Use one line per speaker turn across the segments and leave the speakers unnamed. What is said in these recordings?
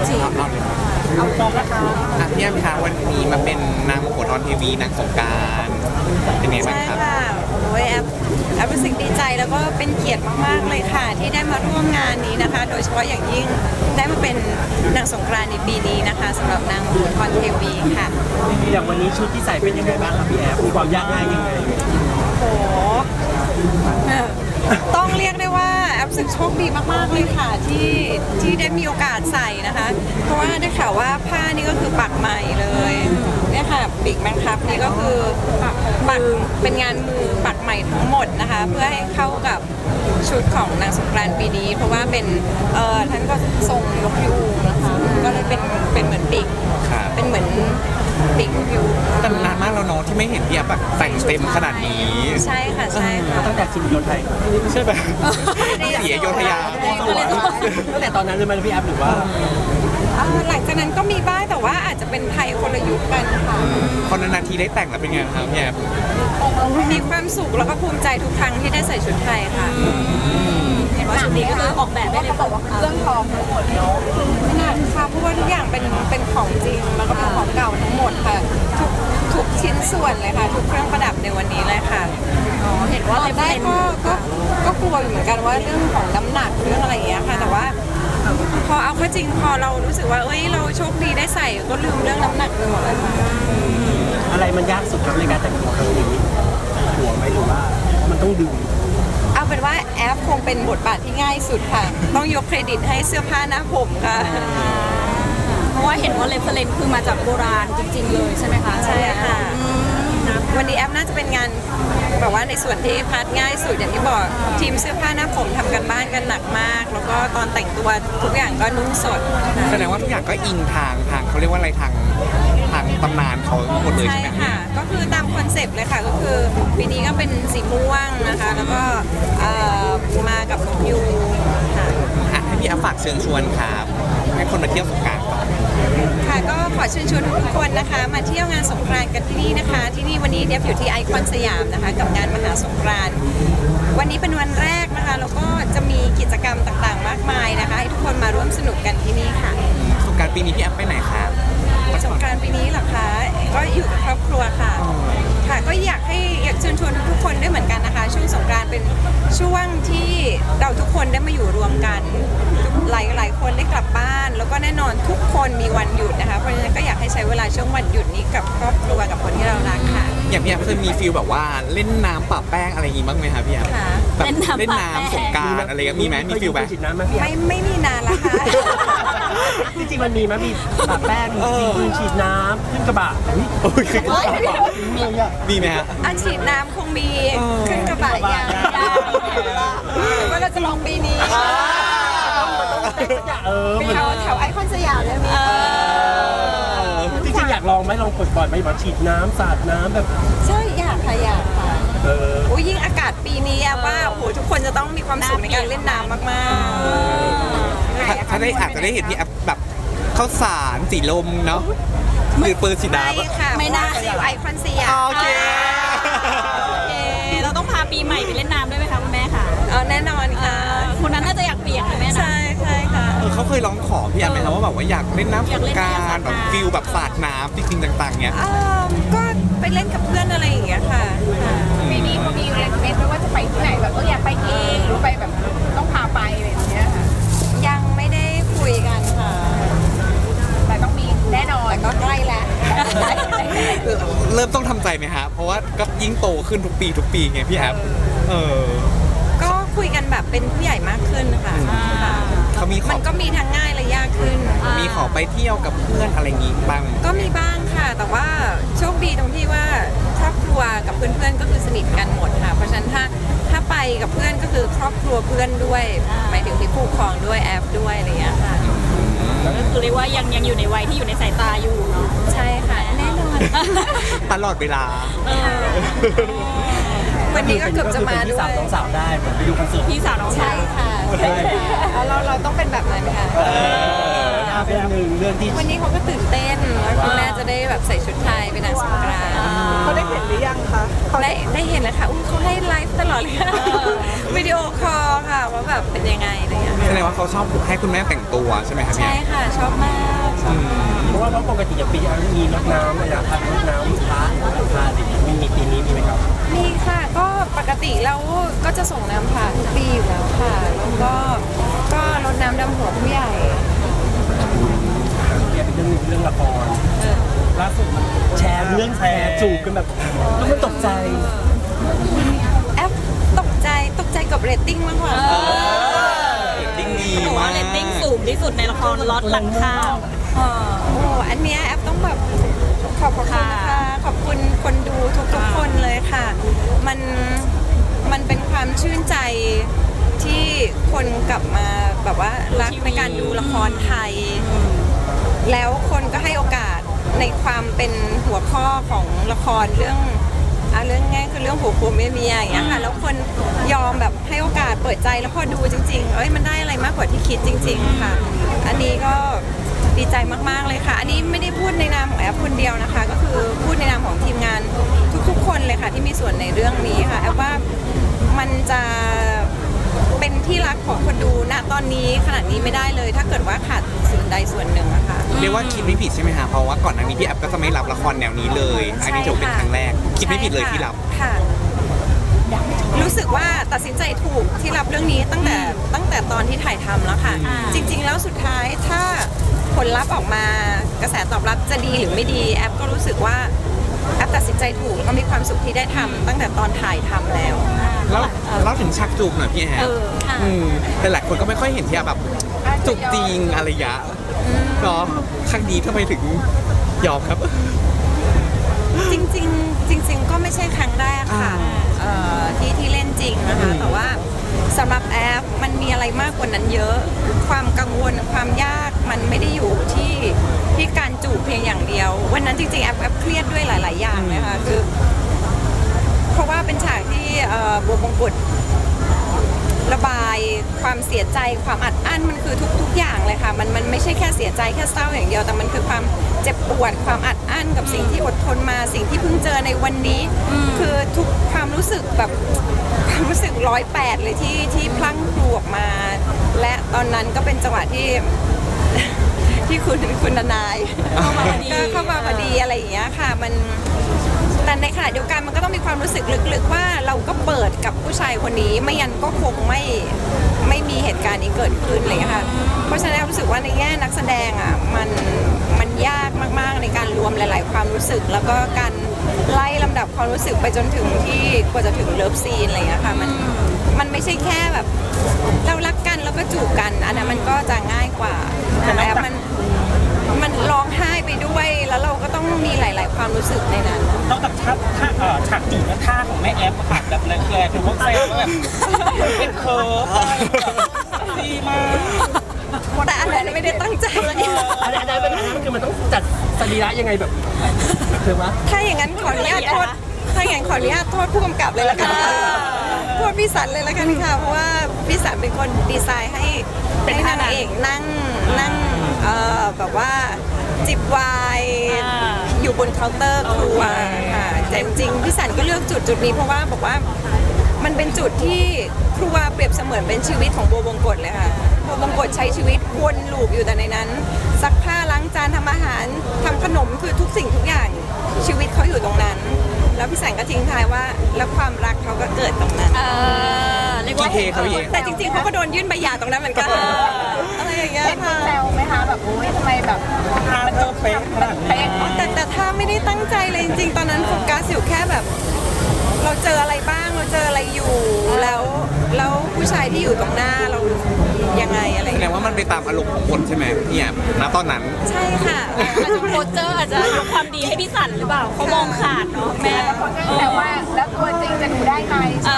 จริง
เอาพร้อมแล้วค่ะ
พี่แอมคะวันนี้มาเป็นนางมโหธรเทวีนางสงกรานต์เป็นไงบ้าง
ใช่
ครับ
ค่ะโอ้ยแอปรู้สึกดีใจแล้วก็เป็นเกียรติมากๆเลยค่ะ ที่ได้มาร่วมงานนี้นะคะ โดยเฉพาะอย่างยิ่งได้มาเป็นนางสงกรานต์ในปีนี้นะคะสำหรับนางมโหธรเทวีค่ะ
อย่างวันนี้ชุดที่ใส่เป็นยังไงบ้างครับพี่แอฟมีความยากง่ายยังไง
โอ้โหต้องเรียกได้ว่าแอปรู้สึกโชคดีมากๆเลยค่ะที่ได้มีโอกาสใส่นะคะ เพราะว่าได้ข่าวว่าผ้านี่ก็คือปักใหม่เลยเนี่ยค่ะปีกแมงคับนี่ก็คือปักเป็นงานมือปักใหม่ทั้งหมดนะคะ เพื่อให้เข้ากับชุดของนางสงกรานต์ปีนี้ เพราะว่าเป็นท่านก็ทรงนกยูงนะคะก็เลยเป็นเหมือนปีก
ครับ
เป็นเหมือนปีกนกยูง
แต่นานมากแล้วเนาะที่ไม่เห็นพี่แอมแบบแต่งเต็มขนาดนี้
ใช่ค่ะใช่ค่ะ
ตั้งแต่ชิมโยไทย
ใช่ไหมเสียโยธยา
ตั้งแต่ตอนนั้นเลยไหมพี่แอฟหรือว่า
หลังจากนั้นก็มีบ้างแต่ว่าอาจจะเป็นไทยคนละยุคกันค่ะ
พอนานๆทีได้แต่งแล้วเป็นไงครับพี่แอม
มีความสุขแล้วก็ภูมิใจทุกครั้งที่ได้ใส่ชุดไทยค่ะ
เห็นว่าชุดนี้ก็คือออกแบบได้เลยบอกว่าเครื่องทองทั้งหมดเนาะ
ไม่นานค่ะเพราะว่าทุกอย่างเป็นของจริงแล้วก็เป็นของเก่าทั้งหมดค่ะทุกชิ้นส่วนเลยค่ะ ทุกเครื่องประดับในวันนี้เลยค่ะ
อ๋อเห็นว่า
ตอนแรกก็กลัวอยู่เหมือนกันว่าเรื่องของน้ำหนักเรื่องอะไรอย่างเงี้ยค่ะ แต่ว่า พอเอาเข้าจริงพอเรารู้สึกว่าเอ้ยเราโชคดีได้ใส่ก็ลืมเรื่องน้ำหนักไปหมดเลยค่ะ
อะไรมันยากสุดครับในการแต่งตัวครั้งนี้หัวไหมหรือว่ามันต้องดึง
เอาเป็นว่าแอปคงเป็นบทบาทที่ง่ายสุดค่ะ ต้องยกเครดิตให้เสื้อผ้าหน้าผมค่ะ
เพราะว่าเห็นว่าเรฟเฟรนซ์คือมาจากโบราณจริง ๆ เลยใช่ไหมคะ
ใช่ค่ะ วันนี้แอปน่าจะเป็นงานแบบว่าในส่วนที่พาร์ทง่ายสุดอย่างที่บอกทีมเสื้อผ้าหน้าผมทำกันบ้านกันหนักมาก แล้วก็ตอนแต่งตัวทุกอย่างก็นุ่งสดค่ะ
แสดงว่าทุกอย่างก็อิงทางเขาเรียกว่าอะไรทางตำนานเขาหมดเลย
ใช่
ใช่ไหม
ค่ะ ก็คือตามคอนเซปต์เลยค่ะ ก็คือปีนี้ก็เป็นสีม่วงนะคะ แล้วก็มากับนกยูงค่ะ
อ่ะให้พี่แอมฝากเชิญชวนครับให้คนมาเที่ยวสงกรานต์ก่อน
ค่ะก็ขอเชิญชวนทุกคนนะคะ มาเที่ยวงานสงกรานต์กันที่นี่นะคะ ที่นี่วันนี้เดียบอยู่ที่ไอคอนสยามนะคะ กับงานมหาสงกรานต์วันนี้เป็นวันแรกนะคะแล้วก็จะมีกิจกรรมต่างๆ มากมายนะคะ ให้ทุกคนมาร่วมสนุกกันที่นี่ค่ะ
สงกรานต์ปีนี้พี่แอมไปไหนครับ
สงกรานต์ปีนี้เหรอคะก็อยู่กับครอบครัวค่ะ ค่ะก็อยากเชิญชวนทุกๆคนด้วยเหมือนกันนะคะ ช่วงสงกรานต์เป็นช่วงที่เราทุกคนได้มาอยู่รวมกันหลายคนได้กลับบ้าน แล้วก็แน่นอนทุกคนมีวันหยุดนะคะเพราะฉะนั้นก็อยากให้ใช้เวลาช่วงวันหยุดนี้กับครอบครัวกับคนที่เรารักค่ะ
อย่างพี่แอมเคยมีฟีลแบบว่าเล่นน้ำปะแป้งอะไรอย่างงี้บ้างไหมครับพี่แอม
ค่ะ
แบบ
เล่นน้ำ
เล่น
ปะแป้ง
น้ำสงกรานต์อะไรก็มีไหมมีฟีลไหม
ฉีดน้ำไหมพี่แอฟ
ไม่มีนานละค่ะ
จริงๆมันมีไหมมีปะแป้งมียิงฉีดน้ำขึ้นกระบะอุ๊ย
โอ้ยคือมีไหมฮะ
อาฉีดน้ำคงมีขึ้นกระบะยางหรือว่าเราจะลองปีนี้
มัน
แถวไอคอนสยามเลยมี
จริงๆอยากลองไหมลองปลดปล่อยไหมแบบฉีดน้ำสาดน้ำแบบ
ใช่อยากค่ะอยากค่ะ
เออ
อุ้ยยิ่งอากาศปีนี้อะว่าโอ้โหทุกคนจะต้องมีความสุขในการเล่นน้ำมากๆ
ถ้าได้อาจจะได้เห็นพี่แอฟแบบข้าวสารสีลมเนาะมือปืนสีดา
ไม่ค่ะ
ไม่น่า
เพระว่อยู่ไอคอนสยาม
โอเค
โอเคเราต้องพาปีใหม่ไปเล่นน้ำด้วยไหมคะคุณแม่ค่ะ
แน่นอนค่ะ
คนนั้นน่าจะอยากเปียกนะแม่นะ
ใช่ใช่ค่ะ
เขาเคยร้องขอพี่แอมไหมครับว่าแบบว่าอยากเล่นน้ำสงกราร
อยากเล่นน้ำ
แบบฟิลแบบสาดน้ำจริงๆต่างๆเนี้ย
ก็ไปเล่นกับเพื่อนอะไรอย่างเงี้ยค่ะ
ปีนี้เขามีเรคเมนต์ว่าจะไปที่ไหนแบบอยากไปเองหรือไปแบบต้องพาไปอะไรอย่างเงี้ยค่ะ
ยังไม่ได้คุยกันค่ะ
แต่ต้องมีแน่นอน
แต่ก็ใกล้แล้ว
เริ่มต้องทำใจไหมฮะเพราะว่าก็ยิ่งโตขึ้นทุกปีไงพี่แอฟเออ
ก็คุยกันแบบเป็นผู้ใหญ่มากขึ้นค่ะค่ะ
เขามีข
มั
อน
ก็มีทั้งง่ายและยากขึ้น
มีขอไปเที่ยวกับเพื่อนอะไรอย่างงี้บ้าง
ก็มีบ้างค่ะ แต่ว่าโชคดีตรงที่ว่าครอบครัวกับเพื่อนๆก็คือสนิทกันหมดค่ะ เพราะฉะนั้นถ้าไปกับเพื่อนก็คือครอบครัวเพื่อนด้วยหมายถึงที่ผู้ปกครองด้วยแอปด้วยอะไรอย่างเงี้ยค่ะ
ก็คือเรียกว่ายังอยู่ในวัยที่อยู่ในสายตาอยู่เนาะ
ใช่ค่ะแน่นอน
ตลอดเวลา
วันนี้ก็เกือบจะมา
พี่
ด้ว
สาวย น้องสาวได้เหมือนไปดูคอนเสิร์ต
พี่สาวน้อง
ใช่
ชาย
ค่ะใช่ค่ะแล้วเราต้องเป็นแบบนั้นค่ะ
เป็นหนึ่งเรื่องที่
วันนี้เขาก็ตื่นเต้นแล้วคุณแม่จะได้แบบใส่ชุดไทยเป็นนางสงกรานต์
เขาได้เห็นหรือยังคะเขา
ได้เห็นแล้วค่ะอุ้ยเขาให้ไลฟ์ตลอดเลยค่ะวิดีโอคอลค่ะว่าแบบเป็นยังไงอะไรอย่างเงี้ย
แสดงว่าเขาชอบให้คุณแม่แต่งตัวใช่ไหมครับพี่
ใช่
แอฟ
ค่ะชอบมากชอบมาก
เพราะว่าปกติอย่างปีนี้มีรดน้ำอะไรนะรดน้ำพระพาอะไรอย่างเงี้ยมีปีนี้มีไหมครับ
มีค่ะก็ปกติเราก็จะส่งน้ำผ่านทุกปีอยู่แล้วค่ะแล้วก็รดน้ำดำหัวผู้ใหญ่
เรียกเป็นเรื่องละครล่าสุดแชร์เรื่องแชร์จูบกันแบบแล้วมันตกใจ
แอปตกใจกับเรตติ้งมากกว่า
เรตติ้งดี
บอก
มา
ว่าก เรตติ้งสูงที่สุดในละครล็อตหลังข้าว
โอ้อันเนี้ยแอปต้องแบบขอบคุณนะคะขอบคุณคนดูทุกๆคนเลยค่ะ มันเป็นความชื่นใจที่คนกลับมาแบบว่ารักในการดูละครไทย แล้วคนก็ให้โอกาสในความเป็นหัวข้อของละครเรื่องง่ายคือเรื่องผัวผัวเมียอย่างเงี้ยค่ะแล้วคนยอมแบบให้โอกาสเปิดใจแล้วพอดูจริงๆมันได้อะไรมากกว่าที่คิดจริง ๆค่ะ อันนี้ก็ดีใจมากๆเลยค่ะ อันนี้ไม่ได้พูดในนามของแอปคนเดียวนะคะ ก็คือพูดในนามของทีมงานทุกๆคนเลยค่ะที่มีส่วนในเรื่องนี้ค่ะแอปว่ามันจะเป็นที่รักของคนดูณตอนนี้ขนาดนี้ไม่ได้เลย ถ้าเกิดว่าขาดส่วนใดส่วนหนึ่งอะค่ะ
เรียกว่าคิดไม่ผิดใช่ไหมฮะเพราะว่าก่อนหน้านี้พี่แอฟก็จะไม่รับละครแนวนี้เลย อันนี้ถือว่าเป็นครั้งแรก คิดไม่ผิดเลยที่รับ
ค่ะ รู้สึกว่าตัดสินใจถูกที่รับเรื่องนี้ตั้งแต่ตอนที่ถ่ายทำแล้วค่ะ จริง ๆ แล้วสุดท้ายถ้าผลลัพธ์ออกมากระแสตอบรับจะดีหรือไม่ดีแอปก็รู้สึกว่าแอปตัดสินใจถูกก็มีความสุขที่ได้ทำตั้งแต่ตอนถ่ายทำแล้ว
แล้วเราถึงชักจูบหน่อยพี่แอฟ
ค่ะ
แต่หลายคนก็ไม่ค่อยเห็นที่แบบจูบจริงอะไรอย่างเงี้ยเนาะครั้งนี้ทำไมถึงยอมครับ
จริง ๆ ก็ไม่ใช่ครั้งแรกค่ะที่เล่นจริงนะคะแต่ว่าสำหรับแอปมันมีอะไรมากกว่านั้นเยอะ ความกังวลความยากมันไม่ได้อยู่ที่การจูบเพียงอย่างเดียว วันนั้นจริงๆแอปเครียดด้วยหลาย ๆ อย่างเลยค่ะคือเพราะว่าเป็นฉากที่บัวมงกุฎระบายความเสียใจความอัดอั้นมันคือทุกอย่างเลยค่ะมันไม่ใช่แค่เสียใจแค่เศร้าอย่างเดียวแต่มันคือความเจ็บปวดความอัดอั้นกับสิ่งที่อดทนมาสิ่งที่เพิ่งเจอในวันนี้ คือทุกความรู้สึกแบบความรู้สึก108เลยที่พลั้งพลูออกมา และตอนนั้นก็เป็นจังหวะที่ ที่คุณทนายเข้ามาพอดีอะไรอย่างเงี้ยค่ะมันแต่ในขณะเดียวกันมันก็ต้องมีความรู้สึกลึกๆว่าเราก็เปิดกับผู้ชายคนนี้ไม่ยันก็คงไม่มีเหตุการณ์นี้เกิดขึ้นอะไรอย่างเลยค่ะเพราะฉะนั้นรู้สึกว่าในแง่นักแสดงอ่ะมันยากมากๆในการรวมหลาย ๆ ความรู้สึก แล้วก็การไล่ลำดับความรู้สึกไปจนถึงที่กว่าจะถึงเลิฟซีนอะไรอย่างเงี้ยค่ะมันไม่ใช่แค่แบบเรารักกันแล้วก็จูบกันอันนั้นมันก็จะง่ายกว่าแต่มันร้องไห้ไปด้วยแล้วเราก็ต้องมีหลาย ๆ ความรู้สึกในนั้น
นอกจากฉากจูบและท่าของแม่แอฟอะค่ะแบบแรงๆคือพวกแซวว่าแบบเป็นเคิร์ฟดีมาก
แต่อันนั้นไม่ได้ตั้งใจ
อันนั้นคือมันต้องจัดสรีระยังไงแบบคือวะ
ถ้าอย่างนั้นขออนุญาตโทษผู้กำกับเลยละกันโทษพี่สันเลยละกันค่ะเพราะว่าพี่สันเป็นคนดีไซน์ให้นางเอกนั่งแบบว่าจิบไวน์อยู่บนเคาน์เตอร์ครัวค่ะแต่จริงๆพี่สันก็เลือกจุดนี้เพราะว่าบอกว่ามันเป็นจุดที่ครัวเปรียบเสมือนเป็นชีวิตของบัวบงกฎเลยค่ะบัวบงกฎใช้ชีวิตวนลูปอยู่แต่ในนั้นซักผ้าล้างจานทำอาหารทำขนมคือทุกสิ่งทุกอย่างชีวิตเขาอยู่ตรงนั้น แล้วพี่แสงก็ทิ้งท้ายว่าแล้วความรักเขาก็เกิดตรงนั้น
เรียกว่า
กี่เทครับพี่เอ
แต่จริงๆเขาก็โดนยื่นใบหย่าตรงนั้นเหมือนกันอะไรอย่างเงี้ย
เห็น
ค่ะ
แซวไหมคะแบบโอ้ยทำไมแบบมันจบเป๊ะขนาดนี้
แต่ถ้าไม่ได้ตั้งใจเลยจริงๆ ตอนนั้นโฟกัสอยู่แค่แบบ เราเจออะไรบ้างเราเจออะไรอยู่แล้วผู้ชายที่อยู่ตรงหน้าเรายังไงอะไรอ
แส
ย่าง
ด
เงี้
ง
ย
ว่ามันไปตามอารมณ์ของคนใช่ไหมพี่แอฟณตอนนั้น
ใช่ค่ะ
อาจจะโปรเจอร์อาจจะยกความดีให้พี่สันหรือเปล่าเขามองขาดเนาะแม่
แต่ว่าแล้วตัวจริงจะดูได้ไหม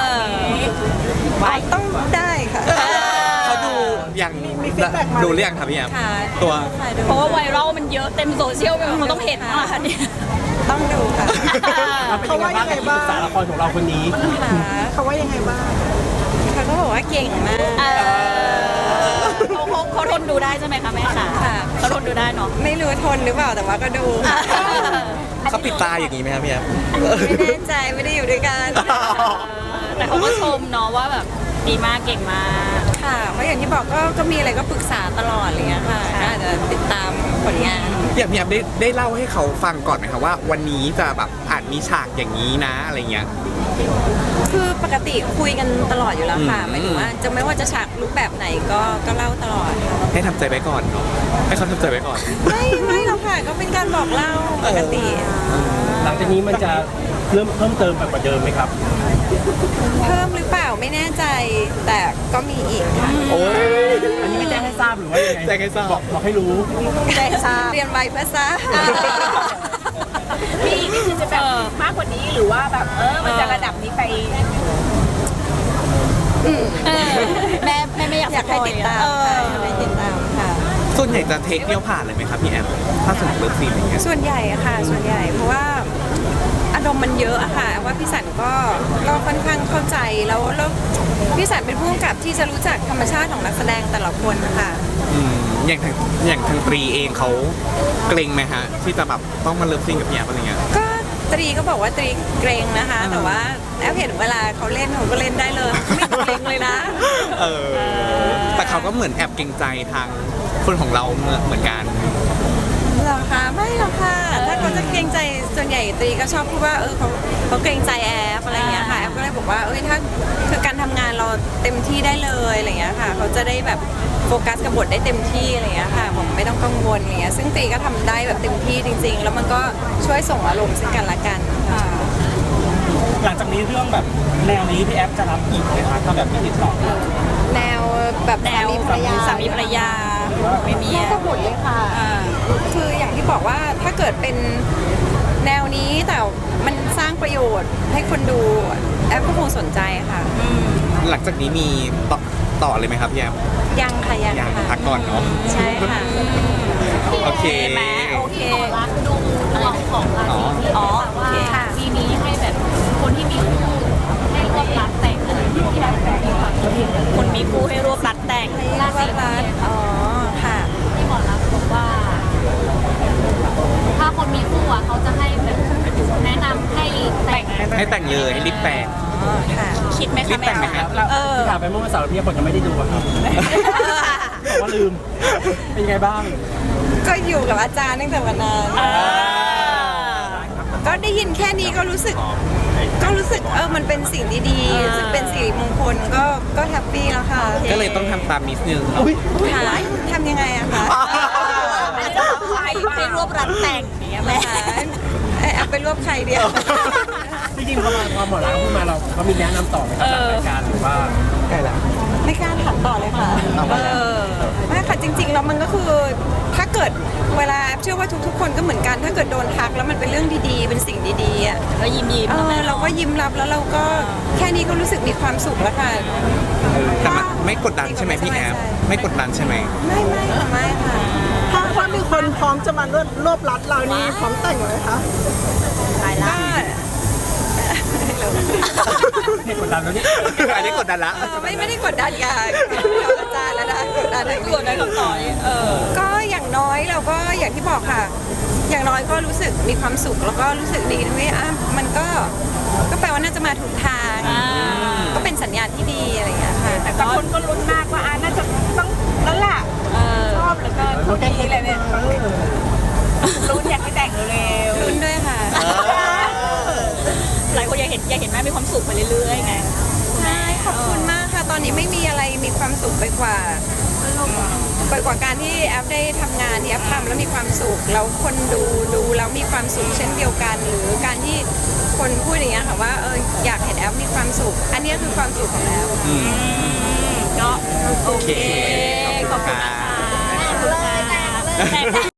ต้องได้ค่ะ
เขาดูอย่างดูเรียงครับพี่แอฟ
ค่ะ
ตัว
เพราะว่าไวรัลมันเยอะเต็มโซเชียลไปหมดเขาต้องเห็นว่าเนี่ย
ต้องดูค่ะ
เขาว่ายังไงบ้างศึกษาละครของเราคนนี้
เขาว่ายังไงบ้างเขาก็บอกว่าเก่งมาก
เขาทนดูได้ใช่ไหมคะแม่ค่ะ
ค่ะ
เขาทนดูได้เนาะ
ไม่รู้ทนหรือเปล่าแต่ว่าก็ดูค่ะ
เขาปิดตาอย่างนี้ไหมครับพี่แอฟ
ไม่แน่ใจไม่ได้อยู่ด้วยกัน
แต่เขาก็ชมเนาะว่าแบบดีมากเก่งมาก
ค่ะเพราะอย่างที่บอกก็มีอะไรก็ปรึกษาตลอดอะไรเงี้ยค่ะก็อาจจะติดตามผลงาน
อย่างพี่แอฟได้เล่าให้เขาฟังก่อนไหมครับว่าวันนี้จะแบบอาจมีฉากอย่างนี้นะอะไรเงี้ย
คือปกติคุยกันตลอดอยู่แล้วค่ะ
อืม
หมายถึงว่าจะไม่ว่าจะฉากรูปแบบไหนก็เล่าตลอดค่ะ
ให้ทำใจไว้ก่อนเนาะให้เขาทำใจไว้ก่อน
ไม่หรอกค่ะก็เป็นการบอกเล่าปกติ
หลังจากนี้มันจะเพิ่มเติมแบบกว่าเดิมไหมครับ
เพิ่มหรือเปล่าไม่แน่ใจ แต่ก็มีอีกค่ะ
โอ้ย
อันนี้ไม่แจ้งให้ทราบหรือว่ายังไง
แจ้งให้ทราบ
บอกให้รู้
ใจทราบเรียนไวเพื่อทราบ
พี่นี่คือจะแบบมากกว่านี้หรือว่าแบบมันจะระดับนี้ไป
แม่ไม่อยาก
อยากให้ติดตามค่ะอยากให้ติดตามค่ะ
ส่วนใหญ่จะเทคเดียวผ่านเลยไหมครับพี่แอฟถ้าสมมติเลิฟซีนอย่างเงี้ย
ส่วนใหญ่อะค่ะ ส่วนใหญ่เพราะว่าอารมณ์มันเยอะอะค่ะว่าพี่สันก็ค่อนข้างเข้าใจแล้วพี่สันเป็นผู้กำกับที่จะรู้จักธรรมชาติของนักแสดงแต่ละคนนะคะ
อืมอย่างทางตรีเองเขาเกรงไหมฮะที่จะแบบต้องมาเลิฟซีนกับพี่แอฟอะไรเงี้ย
ก็ตรีก็บอกว่าตรีเกรงนะคะ แต่ว่าแอบเห็นเวลาเขาเล่นเขาก็เล่นได้เลยไม่เกรงเลยนะ
เออแต่เขาก็เหมือนแอบเกรงใจทางคนของเราเหมือนกัน
หรอคะไม่หรอกค่ะ ถ้าเขาจะเกรงใจส่วนใหญ่ตรีก็ชอบพูดว่าเขาเกรงใจแอฟอะไรอย่างเงี้ยค่ะแอฟก็เลยบอกว่าถ้าคือการทำงานเราเต็มที่ได้เลยอะไรอย่างเงี้ยค่ะเขาจะได้แบบโฟกัสกับบทได้เต็มที่อะไรอย่างเงี้ยค่ะผมไม่ต้องกังวลอะไรเงี้ยซึ่งตรีก็ทำได้แบบเต็มที่จริง ๆ แล้วมันก็ช่วยส่งอารมณ์ซึ่งกันและกันค่ะ
หลังจากนี้เรื่องแบบแนวนี้พี่แอฟจะรับอีกไหมคะถ้าแบบมีติดต่อ
แนวแบบ
แนว
สามีภรรยา
ไม่มี
น่าจะหมดเลยค่ะ คืออย่างที่บอกว่าถ้าเกิดเป็นแนวนี้แต่มันสร้างประโยชน์ให้คนดูแอปก็คงสนใจค่ะ
หลังจากนี้มีต่อเลยไหมครับพี่แอฟ
ยังค่ะยัง
ยัง
ค่ะ
พักก่อนเนาะ
ใช่ค่ะ
โอเค
โอเค
รักดูเรื่องของราศีที่
อ๋อ
แบบว่า
โอเคค่ะ
ปีนี้ให้แบบคนที่มีคู่ให้ร่วมรักแต่งอะไรที่แบบแบบนี้ค่ะ
คนมีคู่ให้รวบรัดแต่ง
ราศีรัตอ๋อค่ะ
ที่หมอรักบอกว่า ถ้าคนมีคู่อ่ะเขาจะให้แบบแนะนำให้แต่ง
ให้แต่งเลยให้รีบแต่ง
อ๋อค่ะ
คิดไหม
รี
คะ
บแต่งไหมครับ
ที่ถามไปเมื่อวันเสาร์พี่คนยังไม่ได้ดูอะครับบอกว่าลืม เป็นไงบ้าง
ก็อยู่กับอาจารย์ตั้งแต่วันนั้นก็ได้ยินแค่นี้ก็รู้สึกมันเป็นสิ่งดีๆรู้สึกเป็นสิริมงคลก็แฮปปี้แล้วค่ะ
ก็เลยต้องทำตามนิดนึง
ค่ะทำยังไงอะคะ
อาจจะให้รวบรัดแต่งอย่างเงี้ยแม่
เอาไปรวบใครเดียว
จริงๆพอหมอรักพูดมาเราก็มีแนะนำต่อไหมครับหลังรายการหรือว่า
ใกล้ละ
ไม่กล้าถามต่อเลยค่ะไม่ค่ะจริงๆแล้วมันก็คือถ้าเกิดเวลาเชื่อว่าทุกๆคนก็เหมือนกัน ถ้าเกิดโดนทักแล้วมันเป็นเรื่องดีๆ เป็นสิ่งดีๆอ่ะ
ก็ยิ้มยิ้ม
เราก็ยิ้มรับแล้วเราก็แค่นี้ก็รู้สึกมีความสุขแล้วค่ะ
แต่มันไม่กดดันใช่ไหมพี่แอฟไม่กดดันใช่ไหม
ไม่ค่ะ
ถ้ามีคนพร้อมจะมารวบรัดเรานี่พร้อมแต่งเลยคะ
ตายละ
ก็
เหตุกดดันแล้วนี่
อันนี้กดดันละ
ไม่ได้กดดันค่ะอาจารย์แล้วนะกดดัน
กดได้คำตอบ
ก็อย่างน้อยเราก็อย่างที่บอกค่ะ อย่างน้อยก็รู้สึกมีความสุขแล้วก็รู้สึกดีด้วยมันก็แปลว่าน่าจะมาถูกทาง ก็เป็นสัญญาณที่ดีอะไรอย่างเงี้ยค่ะ
แต่บางคนก็ลุ้นมากว่าน่าจะต้องนั่นแหละชอบเหลือเกินคนนี้เลยเนี่ยลุ้นอยากให้แต่งเร็ว
ลุ้นด้วยค่ะ
หลายคนอยากเห็นแม่มีความสุขไปเรื่อยๆไง
ใช่ขอบคุณมากค่ะ ตอนนี้ไม่มีอะไรมีความสุขไปกว่าการที่แอฟได้ทำงานที่แอฟทำแล้วมีความสุขแล้วคนดูแล้วมีความสุขเช่นเดียวกัน หรือการที่คนพูดอย่างเงี้ยค่ะว่าอยากเห็นแอฟมีความสุข อันนี้คือความสุขของแอฟ
ก็
โอเค
ขอบคุณนะคะ